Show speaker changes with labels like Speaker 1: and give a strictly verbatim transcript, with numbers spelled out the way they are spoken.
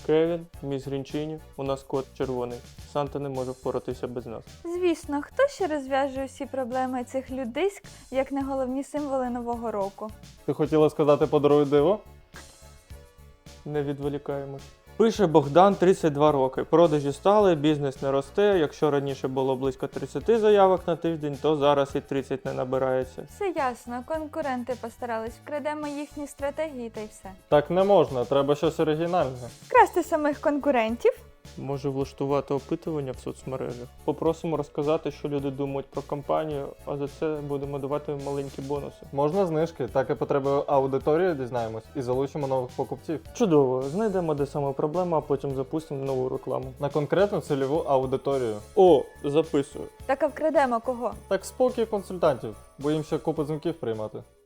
Speaker 1: Кевін, міс Грінчині, у нас кот червоний. Санта не може впоратися без нас.
Speaker 2: Звісно, хто ще розв'яжує всі проблеми цих людиськ, як не головні символи Нового року?
Speaker 3: Ти хотіла сказати «подаруй диво»?
Speaker 1: Не відволікаємось. Пише Богдан, тридцять два роки. Продажі стали, бізнес не росте. Якщо раніше було близько тридцять заявок на тиждень, то зараз і тридцять не набирається.
Speaker 2: Все ясно, конкуренти постарались, вкрадемо їхні стратегії та й все.
Speaker 3: Так не можна, треба щось оригінальне.
Speaker 2: Красти самих конкурентів?
Speaker 1: Може влаштувати опитування в соцмережах. Попросимо розказати, що люди думають про компанію, а за це будемо давати їм маленькі бонуси.
Speaker 3: Можна знижки, так і потреби аудиторії дізнаємось і залучимо нових покупців.
Speaker 1: Чудово, знайдемо, де саме проблема, а потім запустимо нову рекламу.
Speaker 3: На конкретну цільову аудиторію.
Speaker 1: О, записую.
Speaker 2: Так а вкрадемо кого?
Speaker 3: Так спокій консультантів, бо їм ще купу дзвінків приймати.